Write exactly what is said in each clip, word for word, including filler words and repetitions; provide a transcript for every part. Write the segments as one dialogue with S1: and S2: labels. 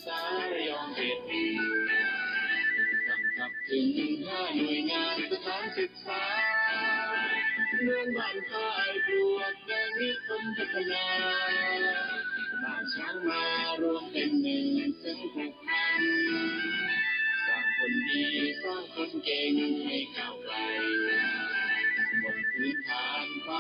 S1: ษาระยองเขตกำกับถึงห้าหน่วยงานสถานศึกษาเมืองบ้านค่ายปลวกแดงนิคมพัฒนาบ้านช้างมารวมเป็นหนึ่งซึ่งผูกพันสร้างคนดีสร้างคนเก่งให้ก้าวไกลบนพื้นฐานความ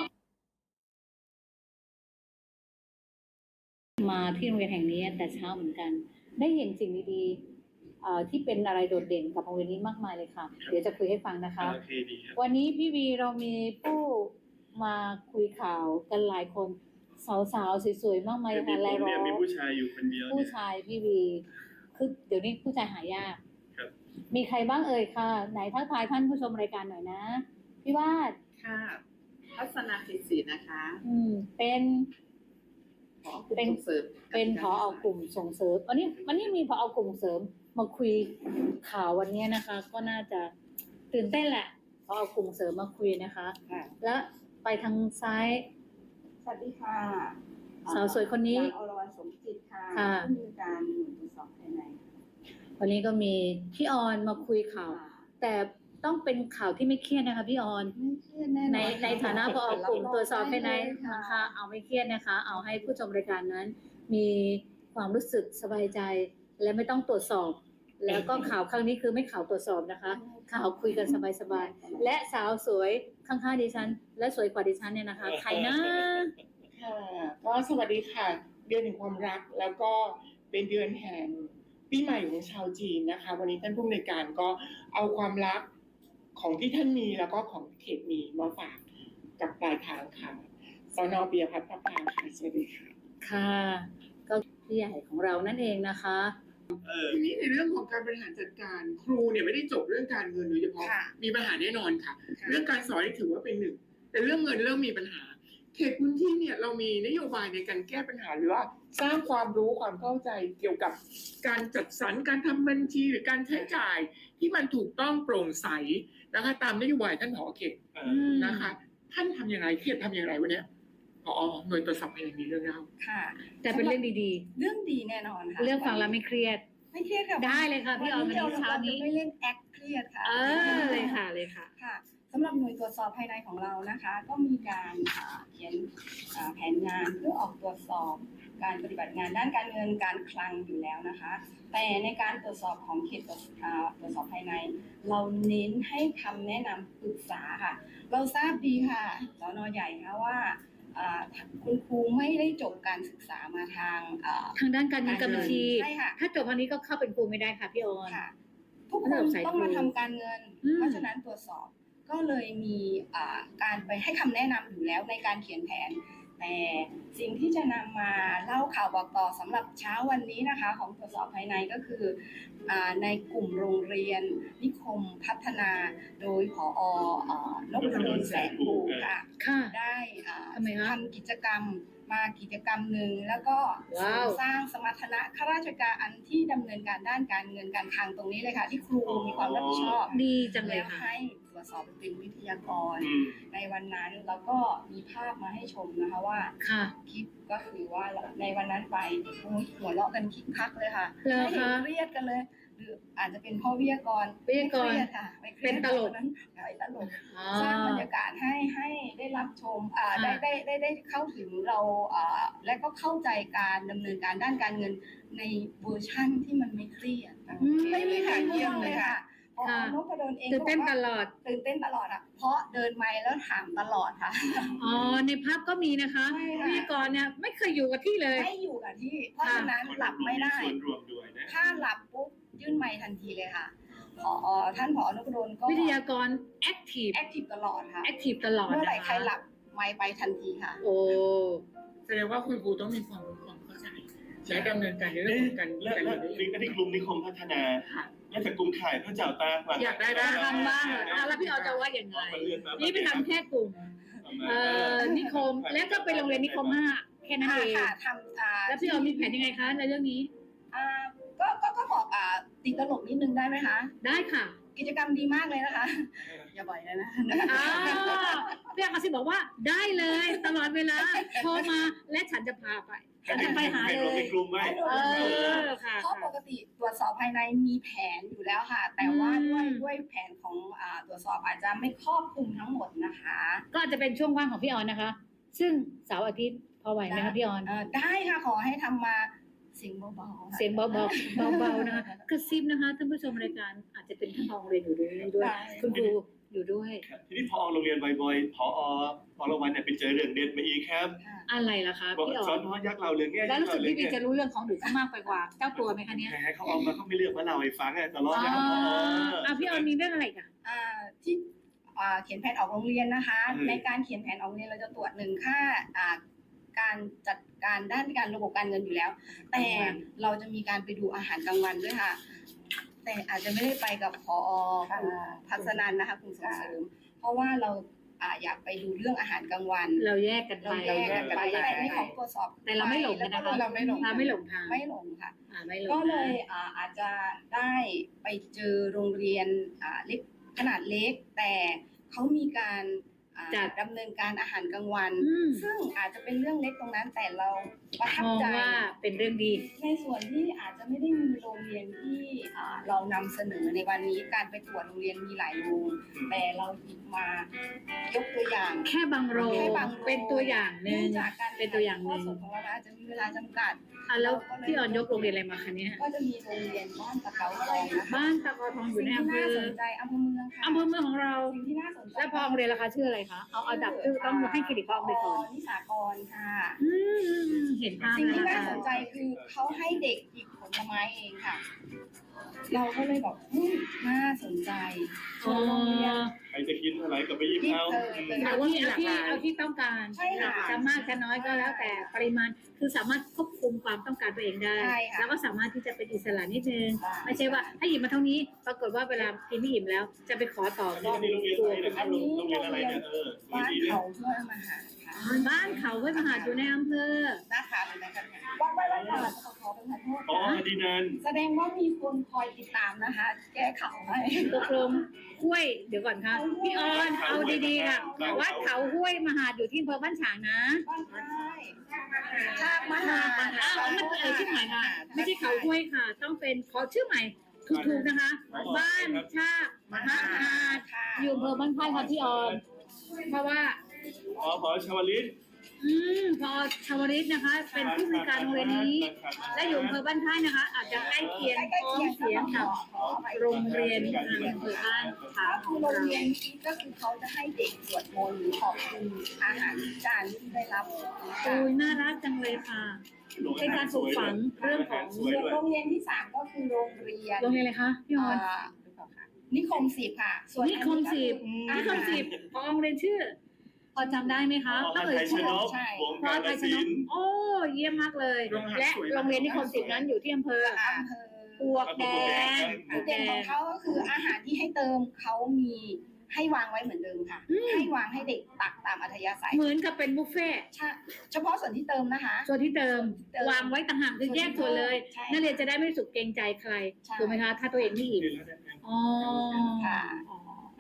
S2: มาที่โรงเรียนแห่งนี้แต่เช้าเหมือนกันได้เห็นสิ่งดีๆเอ่อที่เป็นอะไรโดดเด่นกับโรงเรียนนี้มากมายเลยค่ะเดี๋ยวจะคุยให้ฟังนะคะวันนี้พี่วีเรามีผู้มาคุยข่าวกันหลายคนสาวๆสวยๆมากมายค่ะรายล้อม
S3: มีผู้ชายอยู่คนเดียว
S2: ผู้ชายพี่วีคือเดี๋ยวนี้ผู้ชายหายากมีใครบ้างเอ่ยค่ะไหนทักทายท่านผู้ชมรายการหน่อยนะพี่วาด
S4: ค่ะทัศนาศิษย์นะคะ
S2: อืมเป็น
S4: เป็นเสริม
S2: เป็นผอ.กลุ่มส่งเสริมวันนี้วันนี้มีผอ.กลุ่มเสริมมาคุยข่าววันนี้นะคะก็น่าจะตื่นเต้นแหละผอ.กลุ่มเสริมมาคุยนะคะแล้วไปทางซ้าย
S4: สวัสดีค่ะ
S2: สาวสวยคนนี้
S4: อรวรรณสมจิตค่ะผู้มีการหน่วยตรวจสอบภายใน
S2: วันนี้ก็มีพี่ออนมาคุยข่าวแต่ต้องเป็นข่าวที่ไม่เครียดนะคะพี่ออนในในฐานะผอ.กลุ่มตรวจสอบภายในนะคะเอาไม่เครียดนะคะเอาให้ผู้ชมรายการนั้นมีความรู้สึกสบายใจและไม่ต้องตรวจสอบแล้วก็ข่าวครั้งนี้คือไม่ข่าวตรวจสอบนะคะข่าวคุยกันสบายๆและสาวสวยข้างๆดิฉันและสวยกว่าดิฉันเนี่ยนะคะใครนะ
S5: ค่ะก็สวัสดีค่ะเดือนแห่งความรักแล้วก็เป็นเดือนแห่งปีใหม่ของชาวจีนนะคะวันนี้ท่านผู้อำนวยการก็เอาความรักของที่ท่านมีแล้วก็ของเขตมีมาฝากกับปลายทางค่ะสน.ปิยพัฒน์ พระพาค่ะสวัสดีค่ะ
S2: ค่ะก็พี่ใหญ่ของเรานั่นเองนะคะ
S5: ทีนี้ในเรื่องของการบริหารจัดการครูเนี่ยไม่ได้จบเรื่องการเงินโดยเฉพาะมีปัญหาแน่นอนค่ะเรื่องการสอนนี่ถือว่าเป็นหนึ่งแต่เรื่องเงินเริ่มมีปัญหาเขตพื้นที่เนี่ยเรามีนโยบายในการแก้ปัญหาหรือว่าสร้างความรู้ความเข้าใจเกี่ยวกับการจัดสรรการทำบัญชีหรือการใช้จ่ายที่มันถูกต้องโปร่งใสนะคะตามนโยบายท่านผอ.เขตนะคะท่านทำยังไงเขตทำอย่างไรวันนี้ผอ.หน่วยตรวจสอบภายในมีเรื่องเล่า
S4: ค่ะ
S2: แต่เป็นเรื่องดี
S4: ๆเรื่องดีแน่นอนค่ะ
S2: เรื่องฟังแล้วไม่เครียด
S4: ไม่เครียดค่ะ
S2: ได้เลยค่ะพี่ออนวันนี้เช้านี้
S4: ไม่เล่นแอคเครียดค่ะ
S2: เออเลยค่ะเลยค่ะ
S4: ค่ะสำหรับหน่วยตรวจสอบภายในของเรานะคะก็มีการเขียนแผนงานเพื่อออกตรวจสอบการปฏิบัติงานด้านการเงินการคลังอยู่แล้วนะคะแต่ในการตรวจสอบของเขตตรวจสอบภายในเราเน้นให้คำแนะนำปรึกษาค่ะเราทราบดีค่ะสน.ใหญ่นะว่าคุณครูไม่ได้จบการศึกษามาทาง
S2: ทางด้านการเงินการบัญชี
S4: ใช่ค่ะ
S2: ถ้าจบทางนี้ก็เข้าเป็นครูไม่ได้ค่ะพี่ออน
S4: ทุกคนต้องมาทำการเงินเพราะฉะนั้นตรวจสอบก็เลยมีการไปให้คำแนะนำอยู่แล้วในการเขียนแผนแต่สิ่งที่จะนำมาเล่าข่าวบอกต่อสำหรับเช้าวันนี้นะคะของตรวจสอบภายในก็คือในกลุ่มโรงเรียนนิคมพัฒนาโดยผอ.นพดลแสงภูค่ะได้ทำกิจกรรมมากิจกรรมหนึ่งแล้วก็สร้างสมรรถนะข้าราชการที่ดำเนินการด้านการเงินการคลังตรงนี้เลยค่ะที่ครูมีความรับผิดชอบ
S2: ดีจังเลย
S4: ค่ะให้ตรวจสอบเป็นวิทยากรในวันนั้นแล้วก็มีภาพมาให้ชมนะคะว่าคลิปก็คือว่าในวันนั้นไปหัวเราะกันคิกคักเลยค่ะไม่เห็นเครียดกันเลยหรืออาจจะเป็นพ่อวิทยากร
S2: วิทยากร
S4: ค่ะ
S2: เป็นตลก
S4: นั้นไปตลกสร้างบรรยากาศให้ให้ได้รับชมอ่าได้ได้ได้ได้เข้าถึงเราอ่าและก็เข้าใจการดำเนินการด้านการเงินในเวอร์ชั่นที่มันไม่เครียดไม่มีค่ะเยี่ยมเลยค่ะพอนพดลเอง
S2: ตื่นเต้นตลอด
S4: ตื่นเต้นตลอดอ่ะเพราะเดินไมค์แล้วถามตลอดค่ะ
S2: อ๋อในภาพก็มีนะคะวิทยากรเนี่ยไม่เคยอยู่กับที่เลย
S4: ไม่อยู่กับที่เพราะฉะนั้นหลับไม่ได้ถ้าหลับปุ๊บยื่นไมค์ทันทีเลยค่ะผอ.ท่านผอ.นพดลก็
S2: วิทยากรแอคทีฟ
S4: แอคทีฟตลอดค่ะ
S2: แอคทีฟตลอด
S4: เมื่อไหร่ใครหลับไมค์ไปทันทีค่ะ
S2: โอ้
S5: แสดงว่าคุณครูต้องมีความรู้ความเข้าใจและดำเนินการในเรื่องของการ
S3: และและที่กลุ่มนิคมพัฒนาและจากกลุ่มข่ายพระเจ้าตาก
S2: อยากได้บ้างทำบ้างแล้วพี่ออจะว่าอย่างไรนี่ไปทำแค่กลุ่มนิคมแล้วก็ไปโรงเรียนนิคมห้าแค่นั้นเอง
S4: ทำ
S2: แล้วพี่ออมีแผนยังไงคะในเรื่องนี้
S4: ก็ก็ก็บอกอ่าติดตลกนิดนึงได้ไหมคะ
S2: ได้ค่ะ
S4: กิจกรรมดีมากเลยนะคะอย่าบ่อยเลยนะ
S2: อ่าพี่อาซิบอกว่าได้เลยตลอดเวลาโทรมาและฉันจะพาไปฉันจะไปหาเลย
S3: กลุ่มไหม
S2: เออค่ะ
S4: เพราะปกติตรวจสอบภายในมีแผนอยู่แล้วค่ะ แต่ว่า
S2: อืม
S4: ด้วยด้วยแผนของอ่าตรวจสอบอาจจะไม่ครอบคลุมทั้งหมดนะคะ
S2: ก็อาจจะเป็นช่วงว่างของพี่ออนนะคะ ซึ่งเสาร์อาทิตย์พอไหวไหมคะพี่ออน
S4: เอ่อได้ค่ะขอให้ทำมาเสียงเบาๆค่ะ
S2: เสียงเบาๆเบาๆนะคะกระซิบนะคะท่านผู้ชมรายการอาจจะเป็นท่านรองเรียนอยู่ด้วยด้วย
S4: ได้
S2: คุณครูอยู่ด้วย
S3: ครับทีนี้พอโรงเรียนบ่อยๆพอพอละวันเนี่ยไปเจอเรื่องเด็ดมาอีกครับ
S4: ค่ะ
S2: อะไรล่ะคะ
S3: บอก
S2: พี่อ
S3: สอ
S2: อน น
S3: น้อยยักษ์เราเรื่องเนี้ย
S2: แล้วรู้สึก
S3: ยั
S2: พี่
S3: ษ์
S2: บี
S3: เรา
S2: จะรู้เรื่องของหนูมากไปกว่าเจ้าตัวไหมคะเนี่ย
S3: แหมเขาเอามาเขาไม่เลือกมาเล่าให้ฟังอะตลอด
S2: อ๋อ
S3: นะครับพอ
S2: อ่ะพี่ออนมีเรื่องอะไรอีกัน
S4: อ่าที่อ่าเขียนแผนออกโรงเรียนนะคะ
S3: อืม
S4: ในการเขียนแผนออกโรงเรียนเราจะตรวจหนึ่งค่าอ่าการจัดการด้านการระบบการเงินอยู่แล้ว แต่เราจะมีการไปดูอาหารกลางวันด้วยค่ะ แต่อาจจะไม่ได้ไปกับพอคุณพัฒนันนะคะคุณส่งเสริม เพราะว่าเราอ่าอยากไปดูเรื่องอาหารกลางวัน
S2: เราแยกกันไป
S4: เราแยกกันไป
S2: เรา
S4: แต่
S2: แยก
S4: ใน
S2: กัน
S4: ข
S2: ไป
S4: องตรวจสอบ
S2: แต่เราไม่หลงกันนะคะ
S4: เราไม่หลง
S2: เราไม่หลงทาง
S4: ไม่หลงค่ะ
S2: อ่าไม่หลง
S4: ก็เล
S2: นะ
S4: ยอ่าอาจจะได้ไปเจอโรงเรียนอ่าเล็กขนาดเล็ก แต่เขามีการอ่า
S2: จัด
S4: ดำเนินการอาหารกลางวัน
S2: อืม
S4: ซึ่งอาจจะเป็นเรื่องเล็กตรงนั้นแต่เราประทับ
S2: มอง
S4: ใจ
S2: ว่าเป็นเรื่องดี
S4: ในส่วนที่อาจจะไม่ได้มีโรงเรียนที่อ่าเรานำเสนอในวันนี้การไปตรวจโรงเรียนมีหลายโรงแต่เราหยิบมายกตัวอย่าง
S2: แค่บางโรง
S4: แค่บางโรง
S2: เป็นตัวอย่างหนึ่ง
S4: เนื่องจากการ
S2: เป็นตัวอย่างหนึ่ง
S4: ข้สดของเราอาจจะมีเวลาจำกัด
S2: อ่ะแล้วพี่ออนยกโรงเรียนอะไรมาคะเนี่ย
S4: ก็จะมีโรงเรียนบ้านตะเกาทองนะคะ
S2: บ้านตะกอทองอยู่
S4: สิ่ง
S2: ใน
S4: ที่
S2: อำเภ
S4: น่า
S2: อ
S4: สนใจอำเภอเมืองค่ะ
S2: อำเภอเมืองของเรา
S4: สิ่งที่น่าสนใจ
S2: แล้วพอโรงเรียนราคาชื่ออะไรคะเอาเอาดับชื่อต้องให้เครดิตพอโรงเรียนก่อน
S4: นิสากรค่ะ
S2: อืมเห็นภาพ
S4: สิ่ง
S2: แล้ว
S4: ที่
S2: นะ
S4: น่า
S2: คะ
S4: สนใจคือเขาให้เด็กหยิบผลไม้เองค่ะ เราก็เลยบอกอืมน่าสนใจส่วนโรงเรียน
S3: ใครจะกินอะไรก็ไปหยิบเอา
S4: หยิบเลย
S2: เอาที่เอาที่เอาที่ต้องการ
S4: ใช่ค่ะ
S2: จะมากจะน้อยก็แล้วแต่ปริมาณคือสามารถควบคุมความต้องการตัวเองได้
S4: ใช่ค่ะ
S2: แล้วก็สามารถที่จะเป็นอิสระนิดนึง
S4: ใช่
S2: ไม่ใช่ว่าให้หยิบมาเท่านี้ ปรากฏว่าเวลากินไม่อิ่มแล้ว จะไปขอต่อ
S3: อัน
S2: ก็
S3: นี้โรงเรียน
S2: กลั
S3: อะ
S2: ว
S3: ไรนะครับโรงเรียนอะไรเนี่ยเออสวย
S4: บ้าน
S3: ดีนะ
S4: เขาช่วยมาหาค่ะ
S2: บ้านเขาห้วยมหาดอยู่ในอำเภอ
S4: นะคะเป็นอะไรกันว่าไว้ไว้ก่อนขอเป็นขอโทษ
S3: อ๋อ
S4: ค่ะ
S3: ดีนัน
S4: แสดงว่ามีคนคอยติดตามนะคะ แก้ข่าวให้
S2: ตกลงห้วยเดี๋ยวก่อนค่ะพี่ออนเอาดีๆค่ะวัดเขาห้วยมหาดอยู่ที่อำเภอบ้านฉางนะ
S4: บ้านใต้ชาติมหา
S2: อ้าวมันเอ่ยชื่อใหม่ค่ะไม่ใช่เขาห้วยค่ะ ต้องเป็นขอชื่อใหม่ถูกๆนะคะ บ้านชากมหาด
S4: ค่ะ
S2: อยู่อำเภอบ้านค่ายค่ะพี่ออนเพราะว่า
S3: อ๋อพอชวลิต
S2: อืมพอชาวริตนะคะ เป็นผู้มีการโรงเรียนนี้ และอยู่อำเภอบ้านค่ายนะคะ อาจจะใกล้เคียง
S4: ใกล้
S2: พ้อ
S4: เคีย
S2: ง
S4: ง
S2: เสียงกับโรงเรียนในอำเภอบ้านขาวข
S4: คือ อง โรง
S2: เรา
S4: เรียนนี้ก็คือเขาจะให้เด็กสวดมนต์หรือขอบคุณอาหารจานที่ได้รับ
S2: โอ้ยน่ารักจังเลยค่ะ เป็นการปลูกฝังเรื่องของ
S3: สวย
S4: ส่วน
S3: ด้วย
S4: โรงเรียนที่สามก็คือโรงเรียน
S2: โรงเรียนอะไรคะพี่ออน
S4: อ่านิคมสิบค่ะ ส่วน
S2: นิคมสิบ
S4: อั
S2: นิคมสิบพอโรงเรียนชื่อ พอจำได้ไหมคะ
S3: อ๋อ
S2: ถ้าเอ่ย
S3: ไทยช
S2: ชื่อน
S3: กวง
S2: พอ
S3: การ
S2: ไทยช
S3: ศิ
S2: น
S3: ล
S2: ก
S3: ป์
S2: โอ้เยี่ยมมากเลย และโรงเรียนนิคมสิบนั้นอยู่ที่อำเภอ
S4: อำเภอ
S2: ปวกแดงปว
S4: จุ
S2: ก
S4: ด
S2: แด
S4: เด่นของ
S2: ง
S4: เขาก็คืออาหารที่ให้เติมเขามีให้วางไว้เหมือนเดิมค่ะ
S2: อืม
S4: ให้วางให้เด็กตักตามอัธยาศัย
S2: เหมือนกับเป็นบุฟเฟ่ต์
S4: ใช่เฉพาะส่วนที่เติมนะคะ
S2: ส่วนที่เติม
S4: เติม
S2: วางไว้ต่างหากคือแยกส่วนเลย
S4: ใช่
S2: นักเรียนจะได้ไม่รู้สึกเกรงใจใคร
S4: ใช่
S2: ถูกไหมคะ ถ้าตัวเองไม่อิ่มอ๋อ
S4: ค่ะ
S2: อ๋อ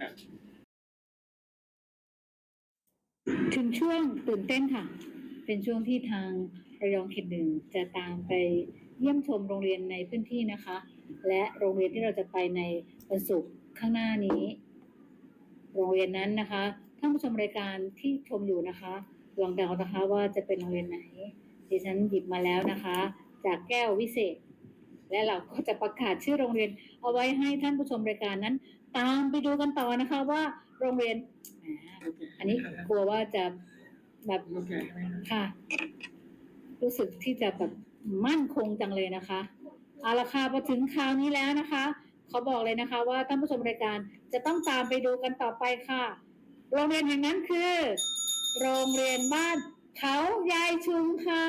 S2: ถึงช่วงตื่นเต้นค่ะ เป็นช่วงที่ทางระยองเขตหนึ่งจะตามไปเยี่ยมชมโรงเรียนในพื้นที่นะคะ และโรงเรียนที่เราจะไปในวันศุกร์ข้างหน้านี้ โรงเรียนนั้นนะคะท่านผู้ชมรายการที่ชมอยู่นะคะ ลองเดานะคะว่าจะเป็นโรงเรียนไหนดิฉันหยิบมาแล้วนะคะ จากแก้ววิเศษ และเราก็จะประกาศชื่อโรงเรียน เอาไว้ให้ท่านผู้ชมรายการนั้น ตามไปดูกันต่อนะคะ ว่าโรงเรียนแหมอันนี้กลัวว่าจะแบบค่ะ รู้สึกที่จะแบบมั่นคงจังเลยนะคะเอาละค่ะพอถึงคราวนี้แล้วนะคะเขาบอกเลยนะคะ ว่าท่านผู้ชมรายการจะต้องตามไปดูกันต่อไปค่ะ โรงเรียนแห่งนั้นคือ โรงเรียนบ้านเขายายชุมค่ะ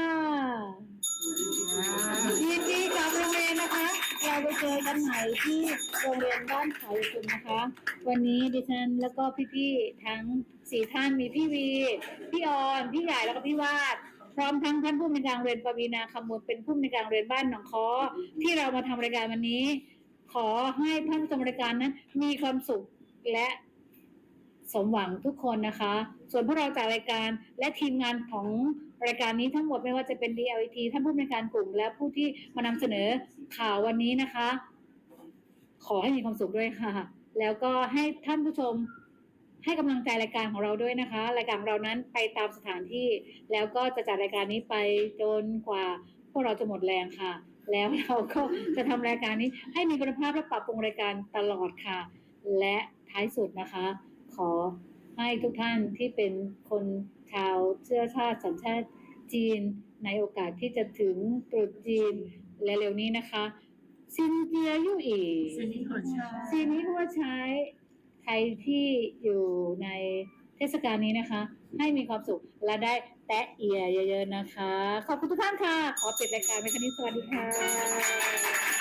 S2: ยินดีกับโรงเรียนนะคะ เราไปเจอกันใหม่ที่โรงเรียนบ้านเขายายชุมนะคะ วันนี้ดิฉันแล้วก็พี่ๆทั้งสี่ท่านมีพี่วีพี่ออนพี่ใหญ่แล้วก็พี่วาด พร้อมทั้งท่านผู้อำนวยการโรงเรียนปวีณาคำมูลเป็นผู้อำนวยการโรงเรียนบ้านหนองค้อที่เรามาทำรายการวันนี้ ขอให้ท่านผู้ชมรายการนั้น มีความสุขและสมหวังทุกคนนะคะ ส่วนพวกเราจากรายการและทีมงานของรายการนี้ทั้งหมดไม่ว่าจะเป็น ดี แอล อี ที ท่านผู้บริการกลุ่มและผู้ที่มานำเสนอข่าววันนี้นะคะ ขอให้มีความสุขด้วยค่ะ แล้วก็ให้ท่านผู้ชมให้กำลังใจรายการของเราด้วยนะคะรายการของเรานั้นไปตามสถานที่แล้วก็จะจัดรายการนี้ไปจนกว่าพวกเราจะหมดแรงค่ะ แล้วเราก็จะทำรายการนี้ให้มีคุณภาพและปรับปรุงรายการตลอดค่ะ และท้ายสุดนะคะ ขอให้ทุกท่านที่เป็นคนชาวเชื้อชาติสัญชาติจีนในโอกาสที่จะถึงตรุษจีนและเร็วนี้นะคะซินเจียยู่อี
S5: ซีนี้ขอใช้
S2: ซีนี้พูดใช้ใครที่อยู่ในเทศกาลนี้นะคะ ให้มีความสุขและได้แตะเอียเยอะๆนะคะ ขอบคุณทุกท่านค่ะ ขอปิดรายการในครั้งนี้สวัสดีค่ะ